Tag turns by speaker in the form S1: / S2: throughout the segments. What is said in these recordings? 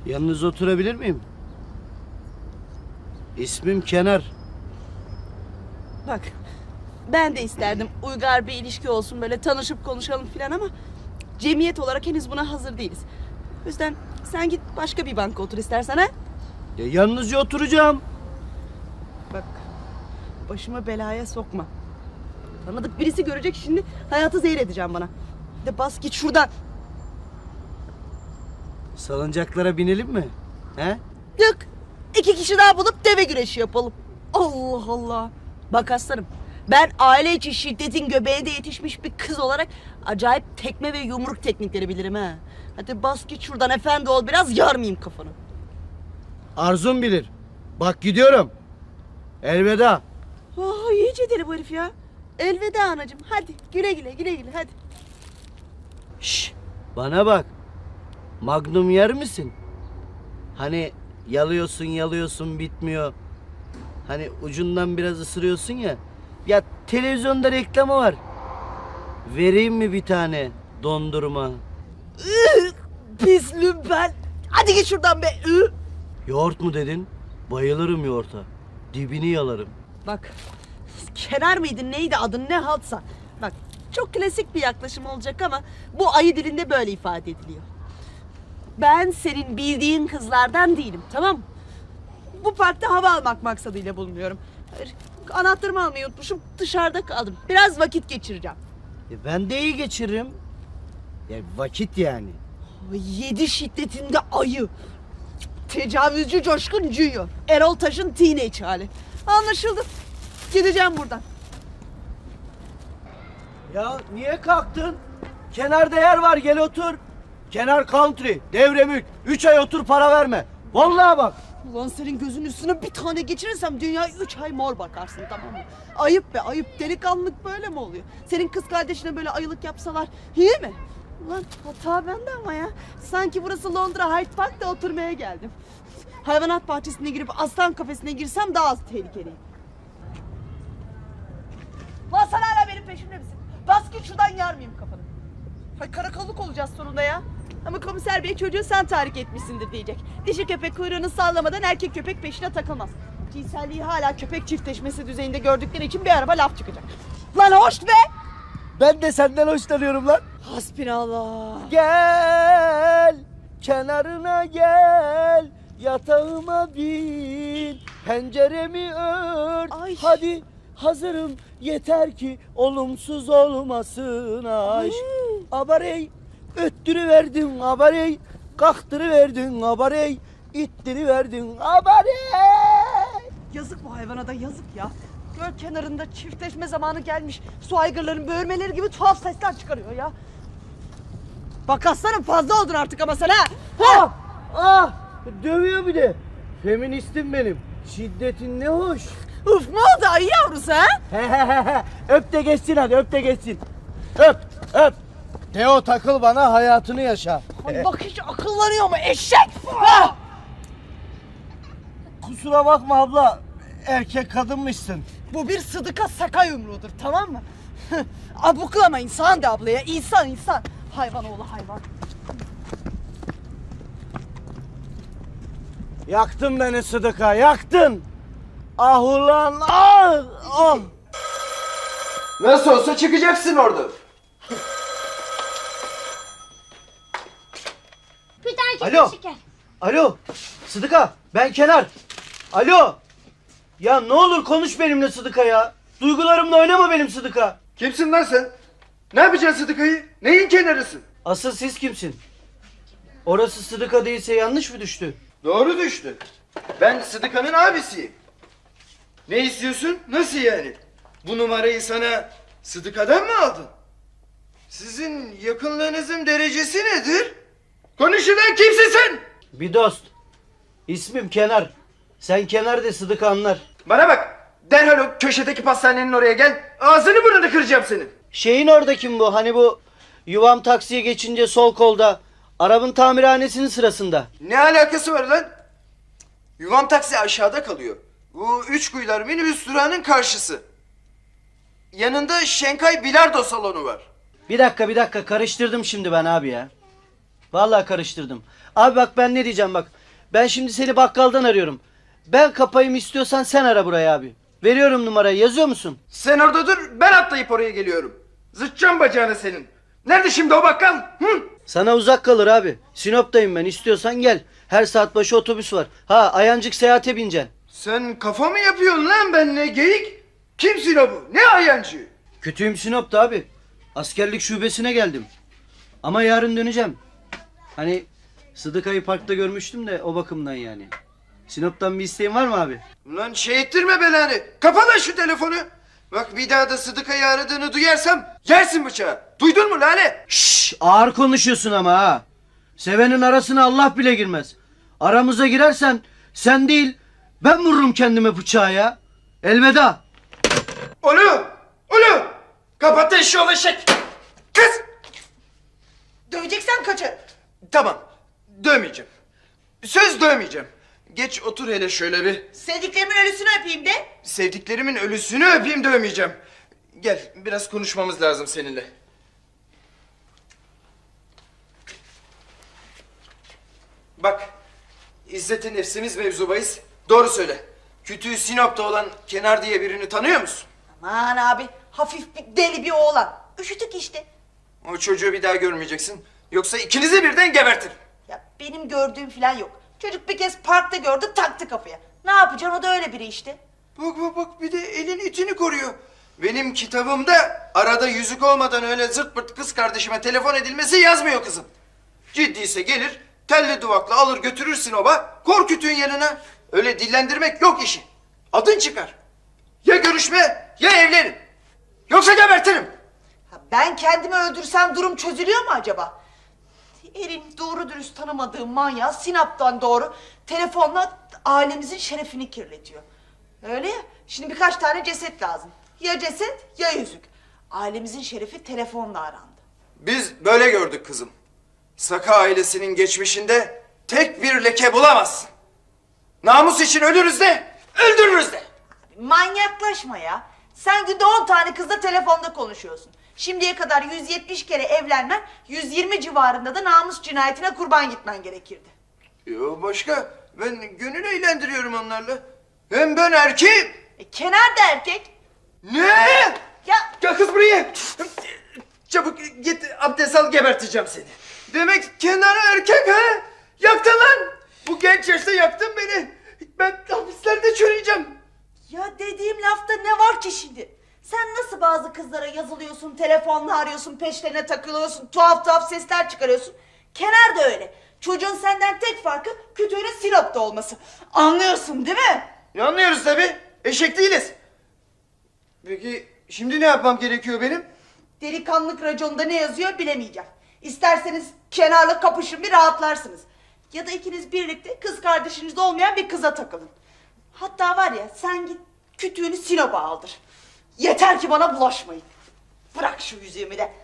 S1: Yanınıza oturabilir miyim? İsmim Kenar.
S2: Bak, ben de isterdim uygar bir ilişki olsun, böyle tanışıp konuşalım filan ama cemiyet olarak henüz buna hazır değiliz. O yüzden sen git başka bir banka otur istersen, ha?
S1: Ya yanınızca oturacağım.
S2: Bak, başıma belaya sokma. Tanıdık birisi görecek şimdi, hayatı zehir edeceğim bana. De bas git şuradan.
S1: Salıncaklara binelim mi? He?
S2: Yok, 2 kişi daha bulup deve güreşi yapalım. Allah Allah. Bak aslanım, ben aile içi şiddetin göbeğinde yetişmiş bir kız olarak acayip tekme ve yumruk teknikleri bilirim ha. Hadi bas git şuradan, efendi ol biraz, yarmayayım kafanı.
S1: Arzum bilir. Bak gidiyorum. Elveda.
S2: Oh, iyice deli bu herif ya. Elveda anacığım, hadi güle güle güle güle hadi.
S1: Şş, bana bak. Magnum yer misin? Hani yalıyorsun bitmiyor. Hani ucundan biraz ısırıyorsun ya. Ya televizyonda reklamı var. Vereyim mi bir tane dondurma?
S2: Pis lümpen. Hadi git şuradan be.
S1: Yoğurt mu dedin? Bayılırım yoğurta. Dibini yalarım.
S2: Bak, Kenar mıydı neydi adın, ne haltsa. Bak, çok klasik bir yaklaşım olacak ama bu ayı dilinde böyle ifade ediliyor. Ben senin bildiğin kızlardan değilim, tamam mı? Bu parkta hava almak maksadıyla bulunuyorum. Hayır, anahtarımı almayı unutmuşum, dışarıda kaldım. Biraz vakit geçireceğim.
S1: Ben de iyi geçiririm. Ya vakit yani.
S2: 7 şiddetinde ayı. Tecavüzcü Coşkun Junior. Erol Taş'ın teenage hali. Anlaşıldı. Gideceğim buradan.
S1: Ya niye kalktın? Kenarda yer var, gel otur. Kenar country, devremük. 3 ay otur, para verme. Vallahi bak.
S2: Ulan senin gözün üstüne bir tane geçirirsem dünya 3 ay mor bakarsın, tamam mı? Ayıp be ayıp. Delikanlılık böyle mi oluyor? Senin kız kardeşine böyle ayılık yapsalar iyi mi? Ulan hata bende ama ya. Sanki burası Londra Hyde Park'ta oturmaya geldim. Hayvanat bahçesine girip aslan kafesine girsem daha az tehlikeliyim. Lan sen hala benim peşimde misin? Bas git şuradan, yarmayayım kafanı. Hay karakolluk olacağız sonunda ya. Ama komiser bey çocuğu sen tahrik etmişsindir diyecek. Dişi köpek kuyruğunu sallamadan erkek köpek peşine takılmaz. Cinselliği hala köpek çiftleşmesi düzeyinde gördükleri için bir araba laf çıkacak. Lan hoş be!
S1: Ben de senden hoşlanıyorum lan.
S2: Hasbinallah.
S1: Gel, kenarına gel. Yatağıma bin, penceremi ört.
S2: Ay.
S1: Hadi hazırım, yeter ki olumsuz olmasın aşk. Abarey, öttürüverdin abarey. Kalktırıverdin abarey. İttiriverdin abarey.
S2: Yazık bu hayvana da, yazık ya. Göl kenarında çiftleşme zamanı gelmiş. Su aygırların böğürmeleri gibi tuhaf sesler çıkarıyor ya. Bak aslanım, fazla oldun artık ama sen ha.
S1: Ah, ah, dövüyor bir de. Feministim benim. Şiddetin ne hoş.
S2: Uf, ne oldu ayı yavrusu ha?
S1: Öp de geçsin hadi, öp de geçsin. Öp, öp. Teo takıl bana, hayatını yaşa.
S2: Ay bak, hiç akıllanıyor mu eşek? Ha!
S1: Kusura bakma abla, erkek kadınmışsın.
S2: Bu bir sıdıka saka yumruğudur, tamam mı? Abuklama, insan de ablaya, insan insan. Hayvan oğlu hayvan.
S1: Yaktın beni Sıdıka, yaktın. Ah ulan, ah, ah.
S3: Nasıl olsa çıkacaksın orada.
S4: Bir tane
S1: Alo.
S4: şeker.
S1: Alo, Sıdıka, ben Kenar. Alo. Ya ne olur konuş benimle Sıdıka ya. Duygularımla oynama benim Sıdıka.
S3: Kimsin lan sen? Ne yapacaksın Sıdıka'yı? Neyin kenarısın?
S1: Asıl siz kimsin? Orası Sıdıka değilse yanlış mı düştü?
S3: Doğru düştü. Ben Sıdıka'nın abisiyim. Ne istiyorsun? Nasıl yani? Bu numarayı sana Sıdıka'dan mı aldın? Sizin yakınlığınızın derecesi nedir? Konuşulan kimsin sen?
S1: Bir dost. İsmim Kenar. Sen Kenar de Sıdıka anlar.
S3: Bana bak. Derhal o köşedeki pastanenin oraya gel. Ağzını burnunu kıracağım senin.
S1: Şeyin orada kim bu? Hani bu yuvam taksiye geçince sol kolda. Arabın tamirhanesinin sırasında.
S3: Ne alakası var lan? Yuvam taksi aşağıda kalıyor. Bu üç kuyular minibüs durağının karşısı. Yanında Şenkay bilardo salonu var.
S1: Bir dakika karıştırdım şimdi ben abi ya. Vallahi karıştırdım. Abi bak ben ne diyeceğim bak. Ben şimdi seni bakkaldan arıyorum. Ben kapayım, istiyorsan sen ara buraya abi. Veriyorum numarayı, yazıyor musun?
S3: Sen orada dur, ben atlayıp oraya geliyorum. Zıtacağım bacağını senin. Nerede şimdi o bakkal? Hı?
S1: Sana uzak kalır abi. Sinop'tayım ben, istiyorsan gel. Her saat başı otobüs var. Ha, Ayancık Seyahat'e bineceksin.
S3: Sen kafa mı yapıyorsun lan benimle geyik? Kimsin o bu? Ne ayancı?
S1: Kötüyüm Sinop'ta abi. Askerlik şubesine geldim. Ama yarın döneceğim. Hani Sıdıka'yı parkta görmüştüm de o bakımdan yani. Sinop'tan bir isteğin var mı abi?
S3: Ulan şey ettirme belanı. Kapa lan şu telefonu. Bak bir daha da Sıdıka'yı aradığını duyarsam yersin bıçağı. Duydun mu Lale?
S1: Şşş, ağır konuşuyorsun ama ha. Sevenin arasına Allah bile girmez. Aramıza girersen sen değil ben vururum kendime bıçağı ya. Elveda.
S3: Ulu! Kapat eşşoğlu eşek! Kız!
S2: Döveceksen kaçar.
S3: Tamam, dövmeyeceğim. Söz dövmeyeceğim. Geç otur hele şöyle bir.
S2: Sevdiklerimin ölüsünü öpeyim de.
S3: Sevdiklerimin ölüsünü öpeyim, dövmeyeceğim. Gel, biraz konuşmamız lazım seninle. Bak, İzzet-i Nefsimiz mevzu bahis. Doğru söyle. Kütüğü Sinop'ta olan Kenar diye birini tanıyor musun?
S2: Aman abi, hafif bir deli bir oğlan. Üşütük işte.
S3: O çocuğu bir daha görmeyeceksin. Yoksa ikinizi birden gebertirim.
S2: Ya benim gördüğüm falan yok. Çocuk bir kez parkta gördü, taktı kafaya. Ne yapacaksın, o da öyle biri işte.
S3: Bak bir de elin itini koruyor. Benim kitabımda arada yüzük olmadan öyle zırt pırt kız kardeşime telefon edilmesi yazmıyor kızım. Ciddiyse gelir, telli duvakla alır götürürsün oba, kor kütüğün yanına. Öyle dillendirmek yok işi. Adın çıkar. Ya görüşme ya evlenin. Yoksa gebertirim.
S2: Ha, ben kendimi öldürsem durum çözülüyor mu acaba? Erin doğru dürüst tanımadığı manyağı Sinop'tan doğru telefonla ailemizin şerefini kirletiyor. Öyle ya, şimdi birkaç tane ceset lazım. Ya ceset ya yüzük. Ailemizin şerefi telefonla arandı.
S3: Biz böyle gördük kızım. Saka ailesinin geçmişinde tek bir leke bulamazsın. Namus için ölürüz de, öldürürüz de.
S2: Manyaklaşma ya. Sen günde 10 tane kızla telefonda konuşuyorsun. Şimdiye kadar 170 kere evlenmen, 120 civarında da namus cinayetine kurban gitmen gerekirdi.
S3: Yo başka, ben gönül eğlendiriyorum onlarla. Hem ben erkeğim.
S2: Kenar da erkek.
S3: Ne?
S2: Ya
S3: Gel kız buraya. Çabuk git abdest al, geberteceğim seni. Demek kenara erkek ha? Yaktın lan. Bu genç yaşta yaktın beni. Ben hapislerde çürüyeceğim.
S2: Ya dediğim lafta ne var ki şimdi? Sen nasıl bazı kızlara yazılıyorsun, telefonla arıyorsun, peşlerine takılıyorsun, tuhaf tuhaf sesler çıkarıyorsun. Kenar da öyle. Çocuğun senden tek farkı kütüğünün Sinop'ta olması. Anlıyorsun değil mi?
S3: Anlıyoruz tabii. Eşek değiliz. Peki şimdi ne yapmam gerekiyor benim?
S2: Delikanlık raconunda ne yazıyor bilemeyeceğim. İsterseniz Kenar'la kapışın, bir rahatlarsınız. Ya da ikiniz birlikte kız kardeşiniz olmayan bir kıza takılın. Hatta var ya, sen git kütüğünü Sinop'a aldır. Yeter ki bana bulaşmayın. Bırak şu yüzüğümü de.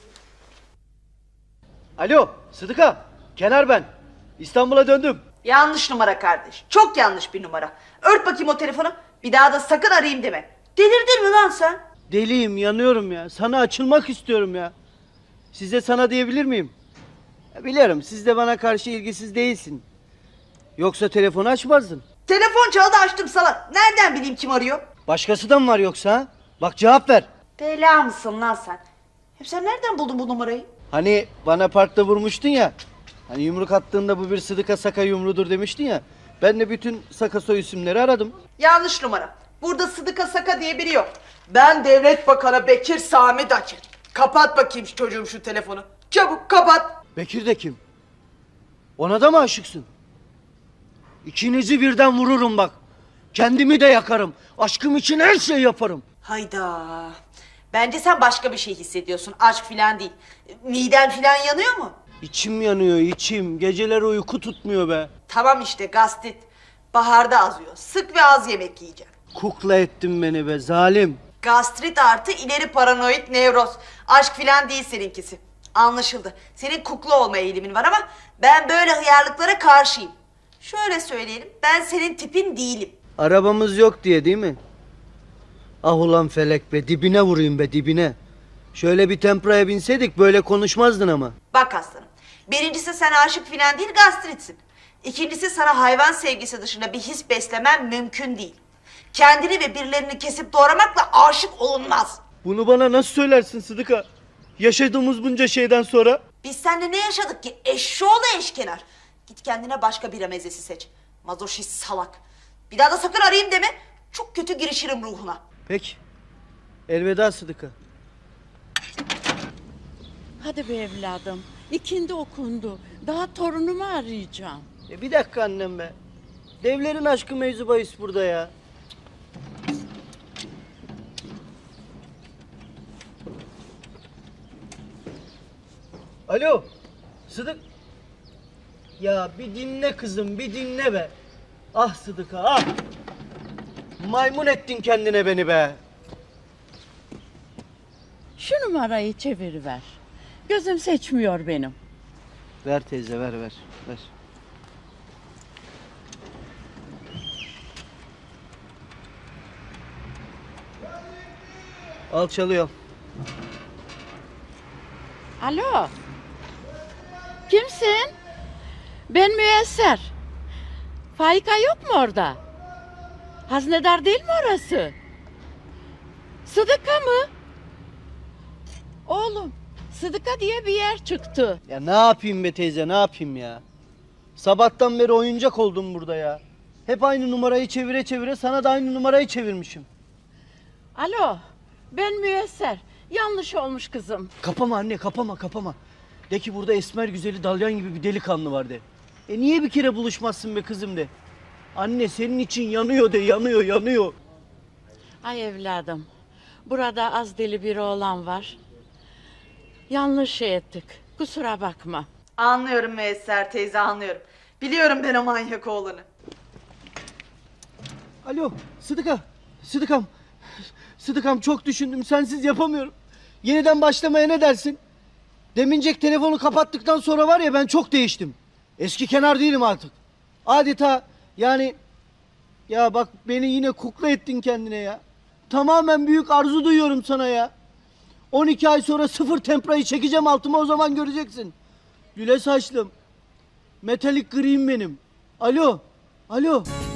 S1: Alo Sıdıka, Kenar ben. İstanbul'a döndüm.
S2: Yanlış numara kardeş. Çok yanlış bir numara. Ört bakayım o telefonu. Bir daha da sakın arayayım deme. Delirdin mi lan sen?
S1: Deliyim, yanıyorum ya. Sana açılmak istiyorum ya. Size sana diyebilir miyim? Ya biliyorum, siz de bana karşı ilgisiz değilsin. Yoksa telefonu açmazdın.
S2: Telefon çaldı, açtım salak. Nereden bileyim kim arıyor?
S1: Başkası da mı var yoksa ha? Bak cevap ver.
S2: Bela mısın lan sen? Hep sen nereden buldun bu numarayı?
S1: Hani bana parkta vurmuştun ya. Hani yumruk attığında bu bir Sıdıka Saka yumrudur demiştin ya. Ben de bütün Saka soy isimleri aradım.
S2: Yanlış numara. Burada Sıdıka Saka diye biri yok. Ben Devlet Bakanı Bekir Sami Daçer. Kapat bakayım çocuğum şu telefonu. Çabuk kapat.
S1: Bekir de kim? Ona da mı aşıksın? İkinizi birden vururum bak. Kendimi de yakarım. Aşkım için her şeyi yaparım.
S2: Hayda. Bence sen başka bir şey hissediyorsun. Aşk filan değil. Miden filan yanıyor mu?
S1: İçim yanıyor, içim. Geceler uyku tutmuyor be.
S2: Tamam işte, gastrit. Baharda azıyor. Sık ve az yemek yiyeceksin.
S1: Kukla ettin beni be zalim.
S2: Gastrit artı ileri paranoid nevroz. Aşk filan değil seninkisi. Anlaşıldı. Senin kukla olma eğilimin var ama ben böyle hıyarlıklara karşıyım. Şöyle söyleyelim, ben senin tipin değilim.
S1: Arabamız yok diye değil mi? Ah ulan felek be, dibine vurayım be, dibine. Şöyle bir tempraya binseydik böyle konuşmazdın ama.
S2: Bak aslanım, birincisi sen aşık filan değil, gastritsin. İkincisi, sana hayvan sevgisi dışında bir his beslemen mümkün değil. Kendini ve birilerini kesip doğramakla aşık olunmaz.
S1: Bunu bana nasıl söylersin Sıdıka? Yaşadığımız bunca şeyden sonra.
S2: Biz seninle ne yaşadık ki? Eşşoğlu eşkenar. Git kendine başka bira mezesi seç. Mazoşist salak. Bir daha da sakın arayayım deme. Çok kötü girişirim ruhuna.
S1: Peki. Elveda Sıdıka.
S4: Hadi be evladım. İkindi okundu. Daha torunumu arayacağım.
S1: Bir dakika annem be. Devlerin aşkı mevzu bahis burada ya. Alo. Sıdık. Ya bir dinle kızım, bir dinle be. Ah Sıdıka, ah. Maymun ettin kendine beni be.
S4: Şu numarayı çeviriver. Gözüm seçmiyor benim.
S1: Ver teyze, ver. Al çalıyor.
S4: Alo. Kimsin? Ben Müyesser. Faika yok mu orada? Haznedar değil mi orası? Sıdıka mı? Oğlum, Sıdıka diye bir yer çıktı.
S1: Ya ne yapayım be teyze, ne yapayım ya? Sabahtan beri oyuncak oldum burada ya. Hep aynı numarayı çevire çevire sana da aynı numarayı çevirmişim.
S4: Alo, ben Müyesser. Yanlış olmuş kızım.
S1: Kapama anne, kapama. De ki burada esmer güzeli dalyan gibi bir delikanlı var de. Niye bir kere buluşmazsın be kızım de. Anne senin için yanıyor de, yanıyor.
S4: Ay evladım, burada az deli bir oğlan var. Yanlış şey ettik, kusura bakma.
S2: Anlıyorum Müyesser teyze, anlıyorum. Biliyorum ben o manyak oğlanı.
S1: Alo, Sıdıkam çok düşündüm, sensiz yapamıyorum. Yeniden başlamaya ne dersin? Demincek telefonu kapattıktan sonra var ya ben çok değiştim. Eski kenar değilim artık. Adeta yani ya bak beni yine kukla ettin kendine ya. Tamamen büyük arzu duyuyorum sana ya. 12 ay sonra sıfır temprayı çekeceğim altıma o zaman göreceksin. Lüle saçlım. Metalik griyim benim. Alo.